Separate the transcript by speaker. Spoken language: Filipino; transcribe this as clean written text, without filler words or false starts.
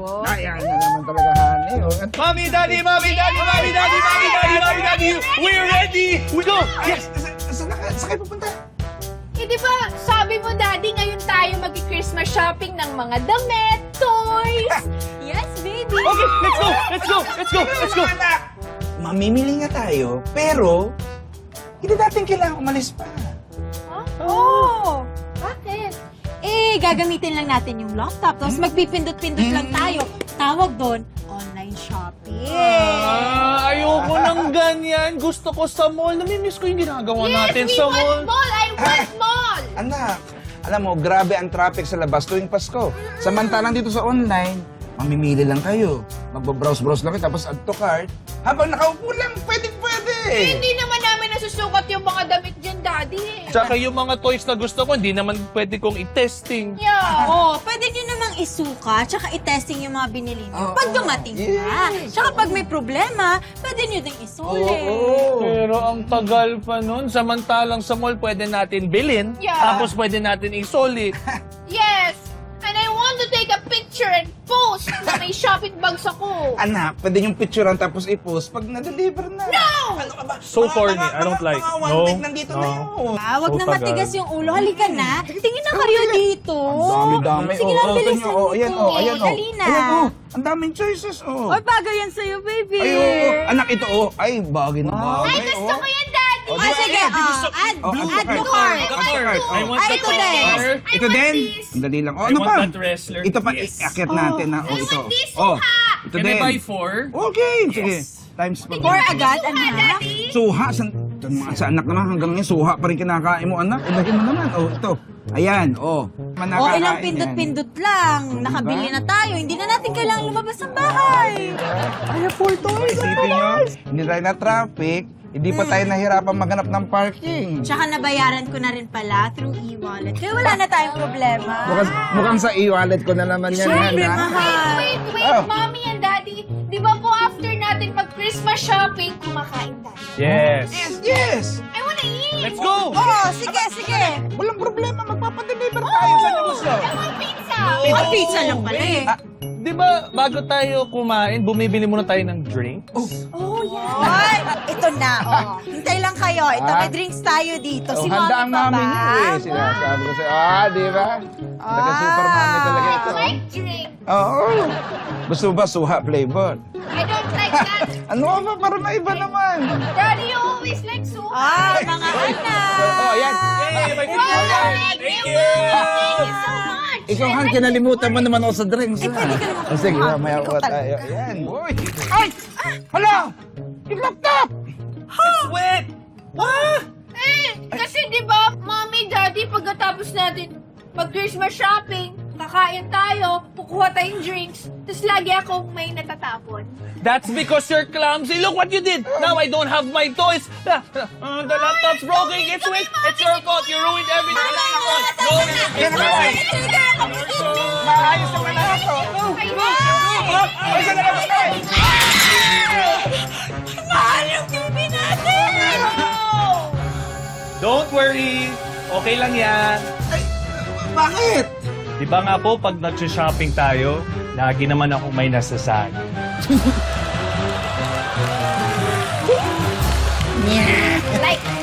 Speaker 1: Oh.
Speaker 2: Ayan na naman talaga, honey. Oh.
Speaker 3: Mommy, Daddy, Mommy, Daddy, Mommy, Daddy, Mommy, Daddy, Mommy, Daddy, we're ready! We go!
Speaker 2: Yes! Saan kayo pupunta?
Speaker 1: Eh, di ba, sabi mo, Daddy, ngayon tayo mag-Christmas shopping ng mga damit, toys. Yes, baby.
Speaker 3: Okay, let's go! Let's go! Let's go! Let's go!
Speaker 2: Anak! Mamimili nga tayo, pero hindi natin kailangan umalis pa.
Speaker 1: Huh? Oh, bakit?
Speaker 4: Eh, gagamitin lang natin yung laptop, tapos magpipindot-pindot lang tayo. Tawag doon, online shopping.
Speaker 3: Ayoko ng ganyan. Gusto ko sa mall. Namimiss ko yung ginagawa natin
Speaker 1: we
Speaker 3: sa
Speaker 1: want
Speaker 3: mall.
Speaker 1: mall. I want mall.
Speaker 2: Anak, alam mo, grabe ang traffic sa labas tuwing Pasko. Samantalang dito sa online, mamimili lang kayo. Magbabrowse-browse lang kayo, tapos add to cart. Habang nakaupo lang, pwede-pwede.
Speaker 1: Hindi naman namin nasusukat yung mga damit dyan, Daddy.
Speaker 3: Tsaka yung mga toys na gusto ko, hindi naman pwede kong i-testing.
Speaker 1: Yeah.
Speaker 4: Oh, pwede nyo namang isuka, tsaka i-testing yung mga binili nyo.
Speaker 2: Oo.
Speaker 4: Pag dumating na. Tsaka pag may problema, pwede nyo ding isulit.
Speaker 3: Pero ang tagal pa nun. Samantalang sa mall, pwede natin bilhin.
Speaker 1: Yeah.
Speaker 3: Tapos pwede natin isulit.
Speaker 1: Yes. And I want to take a picture and post na may shopping bags ako.
Speaker 2: Anak, pwede yung picturean tapos i-post pag na-deliver na.
Speaker 1: No!
Speaker 2: Ano ka ba?
Speaker 3: So corny. I don't like.
Speaker 2: Mga one
Speaker 3: No.
Speaker 2: week nandito na yun.
Speaker 4: Ah, wag
Speaker 3: So
Speaker 4: na
Speaker 3: tagal.
Speaker 4: matigas yung ulo. Halika na. Tingin na kayo dito.
Speaker 2: Ang dami-dami.
Speaker 4: Sige lang, bilisan
Speaker 2: tingnan, oh, ayan,
Speaker 4: nito.
Speaker 2: oh, ayan, oh.
Speaker 4: Dali na.
Speaker 2: Ayan, oh. Ang daming choices, oh.
Speaker 4: Oy, bagay yan sa'yo, baby.
Speaker 2: Ay, oh. Anak, ito, oh. Ay, bagay na bagay,
Speaker 1: Ay, gusto
Speaker 2: oh.
Speaker 1: ko yan, Daddy.
Speaker 2: Oh,
Speaker 4: Ah, sige.
Speaker 2: add
Speaker 4: Add
Speaker 2: to
Speaker 4: to
Speaker 2: cart.
Speaker 4: cart.
Speaker 3: I want
Speaker 4: Ay,
Speaker 3: the
Speaker 4: ito din.
Speaker 3: color.
Speaker 2: Ito din. Ang dali lang. Oh,
Speaker 3: I
Speaker 2: ano
Speaker 3: want
Speaker 2: pa?
Speaker 3: that wrestler.
Speaker 2: Ito pa,
Speaker 3: Yes.
Speaker 2: iakit natin na. Oh,
Speaker 1: I
Speaker 2: ito.
Speaker 1: want this
Speaker 2: Oh,
Speaker 1: suha.
Speaker 2: ito
Speaker 3: Can I
Speaker 2: din.
Speaker 3: buy 4?
Speaker 2: Okay, sige. Times pa.
Speaker 4: Four agad,
Speaker 1: Suha,
Speaker 4: anak.
Speaker 1: Daddy.
Speaker 2: Suha, sa anak naman hanggang ngayon, suha pa rin kinakain mo, anak. Ilahin mo naman. Oh, ito. Ayan, oh.
Speaker 4: O, ilang pindot-pindot lang. Nakabili na tayo. Hindi na natin kailangang lumabas ng bahay.
Speaker 2: Ay, full toys. Isipin nyo, hindi tayo na traffic. Hindi pa tayo nahirapan maghanap ng parking.
Speaker 4: Tsaka nabayaran ko na rin pala through e-wallet. Kaya wala na tayong problema.
Speaker 2: Mukhang sa e-wallet ko na naman yan.
Speaker 4: Siyempre,
Speaker 2: ha?
Speaker 4: mahal.
Speaker 1: Wait,
Speaker 2: Oh.
Speaker 1: Mommy and Daddy. Di ba po after natin mag-Christmas shopping, kumakain tayo?
Speaker 3: Yes.
Speaker 2: Yes!
Speaker 1: I wanna eat.
Speaker 3: Let's go!
Speaker 4: Oo, sige, sige.
Speaker 2: Walang problema, magpapadeliver tayo. Saan niyo gusto?
Speaker 1: I want pizza.
Speaker 4: Ay, pizza lang pala eh.
Speaker 3: Di ba, bago tayo kumain, bumibili muna tayo ng drinks?
Speaker 4: Oh, yeah. Ay, ito na, oh. Hintay lang kayo. Ito, may drinks tayo dito. Si
Speaker 2: handa ang
Speaker 4: Mami pa
Speaker 2: mami
Speaker 4: ba?
Speaker 2: niyo eh. Sinasabi ko sa'yo, di ba? Taga-super mami talaga ito.
Speaker 1: I like drink.
Speaker 2: Oo. Gusto mo ba suha flavor?
Speaker 1: I don't like that.
Speaker 2: Ano ba? Para maiba naman.
Speaker 1: Daddy, you always like soup.
Speaker 4: Ah, mga anak.
Speaker 2: Oh, ayan.
Speaker 3: Yay, may
Speaker 1: Wow,
Speaker 3: pizza!
Speaker 1: thank you. Thank you so much.
Speaker 2: Ikaw, Han, kinalimutan mo naman ako sa drinks.
Speaker 4: Eh, pwede ka naman
Speaker 2: Sige,
Speaker 4: kumuha.
Speaker 2: mamaya
Speaker 4: Ikaw
Speaker 2: ko
Speaker 4: talaga.
Speaker 2: tayo. Ayan, boy. Ay! Hala! Yung laptop!
Speaker 3: It's wet! Ah!
Speaker 1: Eh, kasi di ba, Mommy, Daddy, pagkatapos natin mag-Christmas shopping, kakain tayo, kukuha tayong drinks, tapos lagi ako may natatapon.
Speaker 3: That's because you're clumsy. Look what you did. Now I don't have my toys. The laptop's broken. It's wet. It's your fault. You ruined everything. No, it's mine.
Speaker 2: Maayos naman na ako. Ay, saan na lang tayo?
Speaker 4: Mahal yung TV natin!
Speaker 3: Don't worry. Okay lang yan.
Speaker 2: Bakit?
Speaker 3: Di ba nga po, pag nag-shopping tayo, lagi naman ako may nasasali.
Speaker 1: Like